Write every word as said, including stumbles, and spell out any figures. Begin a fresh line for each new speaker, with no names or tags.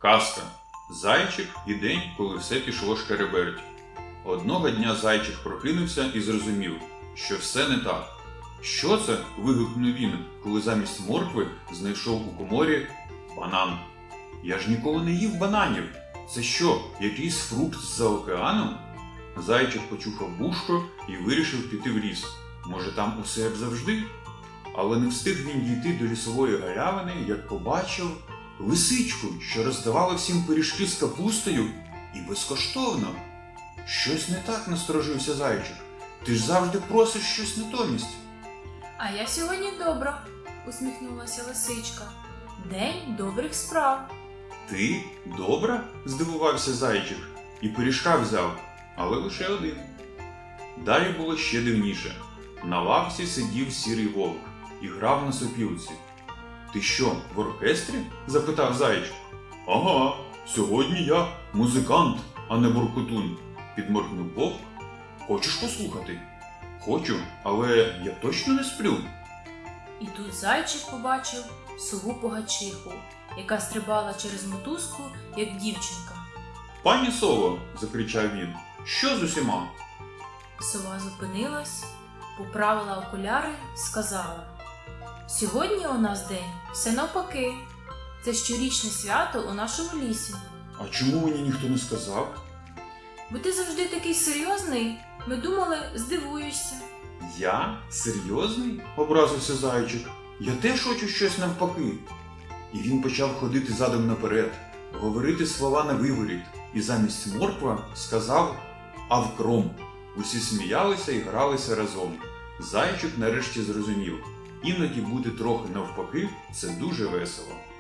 Казка. Зайчик і день, коли все пішло шкереберть. Одного дня зайчик прокинувся і зрозумів, що все не так. Що це? Вигукнув він, коли замість моркви знайшов у коморі банан. Я ж ніколи не їв бананів. Це що, якийсь фрукт з-за океану? Зайчик почухав вушко і вирішив піти в ліс. Може, там усе як завжди? Але не встиг він дійти до лісової галявини, як побачив лисичку, що роздавала всім пиріжки з капустою і безкоштовно. Щось не так, насторожився зайчик. Ти ж завжди просиш щось натомість.
А я сьогодні добра, усміхнулася лисичка. День добрих справ.
Ти добра? Здивувався зайчик і пиріжка взяв, але лише один. Далі було ще дивніше. На лавці сидів сірий вовк і грав на сопілці. Ти що, в оркестрі? Запитав зайчик. Ага, сьогодні я музикант, а не буркотун, підморгнув вовк. Хочеш послухати? Хочу, але я точно не сплю.
І тут зайчик побачив сову погачиху, яка стрибала через мотузку, як дівчинка.
Пані сово, закричав він, що з усіма?
Сова зупинилась, поправила окуляри, сказала: сьогодні у нас день все навпаки. Це щорічне свято у нашому лісі.
А чому мені ніхто не сказав?
Бо ти завжди такий серйозний, ми думали, здивуєшся.
Я? Серйозний? Образився зайчик. Я теж хочу щось навпаки. І він почав ходити задом наперед, говорити слова на виворіт, і замість морква сказав «авкром». Усі сміялися і гралися разом. Зайчик нарешті зрозумів, іноді бути трохи навпаки – це дуже весело.